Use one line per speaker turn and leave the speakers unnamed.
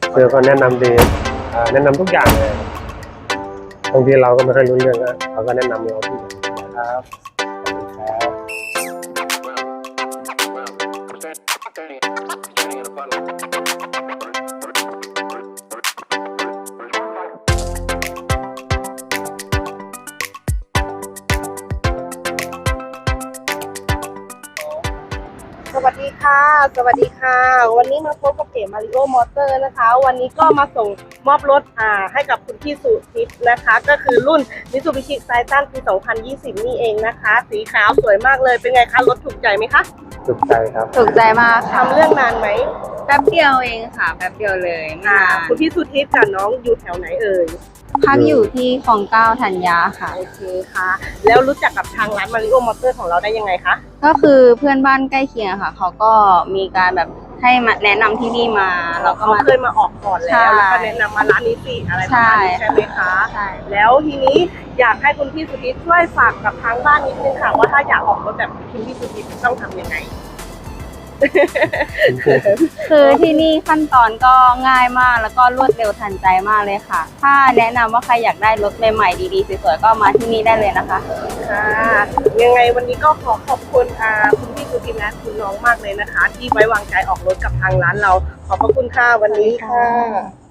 คือเขาแนะนำดีแนะนำทุกอย่างเลยบางทีเราก็ไม่ค่อยรู้เรื่องนะเขาก็แนะนำเราทุกอย่างครับขอบคุณครับ
สวัสดีค่ะ สวัสดีค่ะ วันนี้มาพบกับเก๋มาริโอมอเตอร์นะคะ วันนี้ก็มาส่งมอบรถให้กับคุณพี่สุทิพย์นะคะ ก็คือรุ่น Mitsubishi Triton ปี 2020 นี่เองนะคะ สีขาวสวยมากเลย เป็นไงคะ รถถูกใจไหมคะ
ถูกใจครับ
ถูกใจมากค่ะ
ทำเรื่องนานไหม
แป๊บเดียวเองค่ะแป๊บเดียวเลยไม่นาน
คุณพี่สุทิพย์กับน้องอยู่แถวไหนเอ่ย
พักอยู่ที่คลอง9ธัญญาค่ะ
โอเคค่ะ แล้วรู้จักกับทางร้านมาริโอมอเตอร์ของเราได้ยังไงคะ
ก็คือเพื่อนบ้านใกล้เคียงค่ะเขาก็มีการแบบให้มาแนะนำที่นี่มาเราก็
เขา
มา
เคยมาออกก่อนแล้ว แล้วก็แนะนำมาร้านนี้สิอะไรประมาณนี้
ใช่
ใช่ไหมคะ
ใช่
แล้วทีนี้อยากให้คุณพี่สุทิพย์ช่วยฝากกับทางบ้านนิดนึงค่ะว่าถ้าอยากออกรถแบบคุณพี่สุทิพย์ต้องทำยังไง
คือที่นี่ขั้นตอนก็ง่ายมากแล้วก็รวดเร็วทันใจมากเลยค่ะ ถ้าแนะนำว่าใครอยากได้รถใหม่ๆดีๆสวยๆก็มาที่นี่ได้เลยนะคะ
ค่ะยังไงวันนี้ก็ขอขอบคุณคุณพี่สุทิพย์และคุณน้องมากเลยนะคะ ที่ไว้วางใจออกรถกับทางร้านเรา ขอบพระคุณค่ะวันนี้ค่ะ